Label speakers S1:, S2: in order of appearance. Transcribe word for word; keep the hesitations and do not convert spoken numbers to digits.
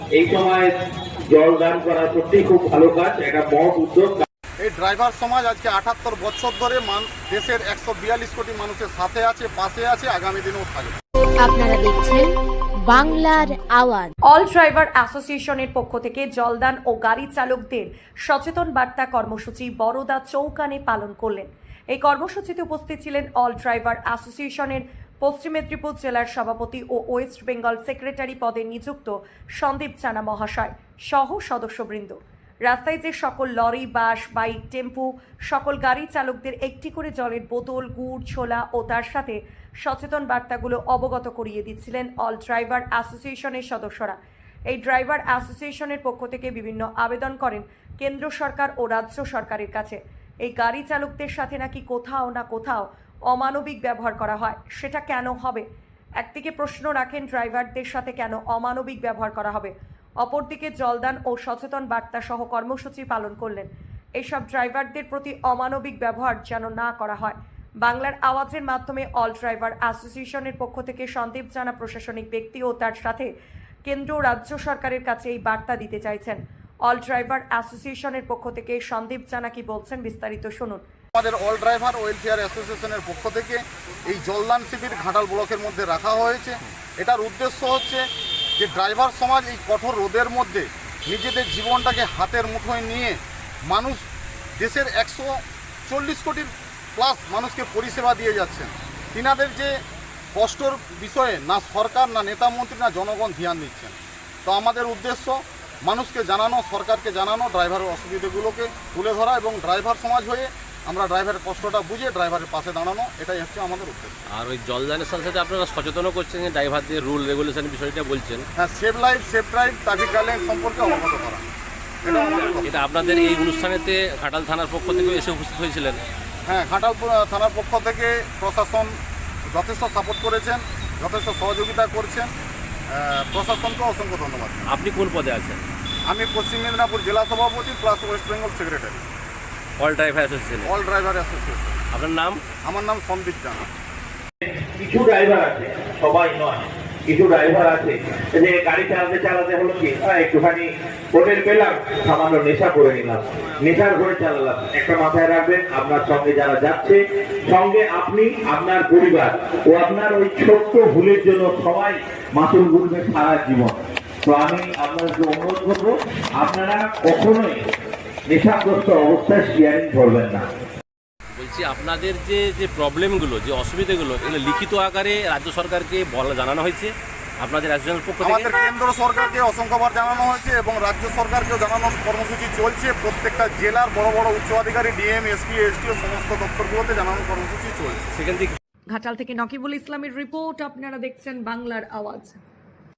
S1: এই সময় জল দান করা সত্যি খুব ভালো কাজ, একটা মহৎ উদ্যোগ।
S2: এই ড্রাইভার সমাজ আজকে আটাত্তর বছর ধরে দেশের একশো বিয়াল্লিশ কোটি মানুষের সাথে আছে, পাশে আছে, আগামী দিনেও থাকবে।
S3: আপনারা দেখছেন বাংলার আওয়াজ।
S4: অল ড্রাইভার অ্যাসোসিয়েশনের পক্ষ থেকে জলদান ও গাড়ি চালকদের সচেতন বার্তা কর্মসূচি বরোদা চৌকানে পালন করলেন। এই কর্মসূচিতে উপস্থিত ছিলেন অল ড্রাইভার অ্যাসোসিয়েশনের পশ্চিম মেদিনীপুর জেলার সভাপতি ও ওয়েস্ট বেঙ্গল সেক্রেটারি পদে নিযুক্ত সন্দীপ চানা মহাশয় সহ সদস্যবৃন্দ। রাস্তায় যে সকল লরি, বাস, বাইক, টেম্পু সকল গাড়ি চালকদের একটি করে জলের বোতল, গুড়, ছোলা ও তার সাথে সচেতন বার্তাগুলো অবগত করিয়ে দিচ্ছিলেন অল ড্রাইভার অ্যাসোসিয়েশনের সদস্যরা। এই ড্রাইভার অ্যাসোসিয়েশনের পক্ষ থেকে বিভিন্ন আবেদন করেন কেন্দ্র সরকার ও রাজ্য সরকারের কাছে। এই গাড়ি চালকদের সাথে নাকি কোথাও না কোথাও অমানবিক ব্যবহার করা হয়, সেটা কেন হবে? একদিকে প্রশ্ন রাখেন ড্রাইভারদের সাথে কেন অমানবিক ব্যবহার করা হবে, অপরদিকে জলদান ও সচেতন বার্তা সহ কর্মসূচি পালন করলেন। এইসব ড্রাইভারদের প্রতি অমানবিক ব্যবহার যেন না করা হয়। বাংলার আওয়াজের মাধ্যমে অল ড্রাইভার অ্যাসোসিয়েশনের পক্ষ থেকে সন্দীপ জানা প্রশাসনিক ব্যক্তি ও তার সাথে কেন্দ্র রাজ্য সরকারের কাছে এই বার্তা দিতে চাইছেন। অল ড্রাইভার অ্যাসোসিয়েশনের পক্ষ থেকে সন্দীপ জানা কি বলছেন, বিস্তারিত শুনুন।
S2: আমাদের অল ড্রাইভার ওয়েলফেয়ার অ্যাসোসিয়েশনের পক্ষ থেকে এই জলদান শিবির ঘাটাল ব্লকের মধ্যে রাখা হয়েছে। এটার উদ্দেশ্য হচ্ছে যে ড্রাইভার সমাজ এই কঠোর রোদের মধ্যে নিজেদের জীবনটাকে হাতের মুঠোয় নিয়ে মানুষ দেশের একশো চল্লিশ কোটির প্লাস মানুষকে পরিষেবা দিয়ে যাচ্ছেন। তিনাদের যে কষ্টর বিষয়ে না সরকার, না নেতা মন্ত্রী, না জনগণ ধ্যান দিচ্ছেন। তো আমাদের উদ্দেশ্য মানুষকে জানানো, সরকারকে জানানো, ড্রাইভারের অসুবিধাগুলোকে তুলে ধরা এবং ড্রাইভার সমাজ হয়ে আমরা ড্রাইভারের কষ্টটা বুঝে ড্রাইভারের পাশে দাঁড়ানো, এটাই হচ্ছে আমাদের উদ্দেশ্য।
S5: আর ওই জলদানের সাথে সাথে আপনারা সচেতনও করছেন যে ড্রাইভারদের রুল রেগুলেশন বিষয়টা বলছেন।
S2: হ্যাঁ, safe life safe drive, traffic guideline সম্পর্কে অবগত করা,
S5: এটা আপনাদের এই অনুষ্ঠানেতে ঘাটাল থানার পক্ষ থেকে এসে উপস্থিত হয়েছিলেন।
S2: হ্যাঁ, ঘাটাল থানার পক্ষ থেকে প্রশাসন যথেষ্ট সাপোর্ট করেছেন, যথেষ্ট সহযোগিতা করছেন। প্রশাসনকে অসংখ্য ধন্যবাদ।
S5: আপনি কোন পদে আছেন?
S2: আমি পশ্চিম মেদিনীপুর জেলা সভাপতি plus West Bengal secretary
S5: all driver association.
S2: All driver association.
S5: আপনার নাম?
S2: আমার নাম সন্দীপ জানা।
S1: কিছু ড্রাইভার আছে, সবাই নয়, কিছু ড্রাইভার আছে যে গাড়ি চালাতে চালাতে হলো কি একটুখানি হোটেল পেলাম, সামান্য নেশা করে নিলাম, নেশার ঘরে চালালাম। একটা মাথায় রাখবেন, আপনার সঙ্গে যারা যাচ্ছে, সঙ্গে আপনি, আপনার পরিবার ও আপনার ওই ছোট্ট ভুলের জন্য সবাই মাসুল গুনবে সারা জীবন। তো আমি আপনাদেরকে অনুরোধ করবো, আপনারা কখনোই নেশাগ্রস্ত অবস্থায় শেয়ারিং করবেন না।
S5: বলছি আপনাদের যে যে প্রবলেমগুলো, যে অসুবিধাগুলো, এগুলো লিখিত আকারে রাজ্য সরকারকে বলা জানানো হয়েছে আপনাদের অ্যাসোসিয়েশনের পক্ষ থেকে?
S2: আমাদের কেন্দ্র সরকারকে অসংখ্যবার জানানো হয়েছে এবং রাজ্য সরকারকেও জানানোর কর্মসূচি চলছে। প্রত্যেকটা জেলার বড় বড় উচ্চ আধিকারী, ডিএম, এসপি, এসটিও সমস্ত দপ্তরগুলোতে জানানোর কর্মসূচি চলছে।
S5: সেখান থেকে
S4: ঘাটাল থেকে নকিবুল ইসলামের রিপোর্ট। আপনারা দেখছেন বাংলার আওয়াজ।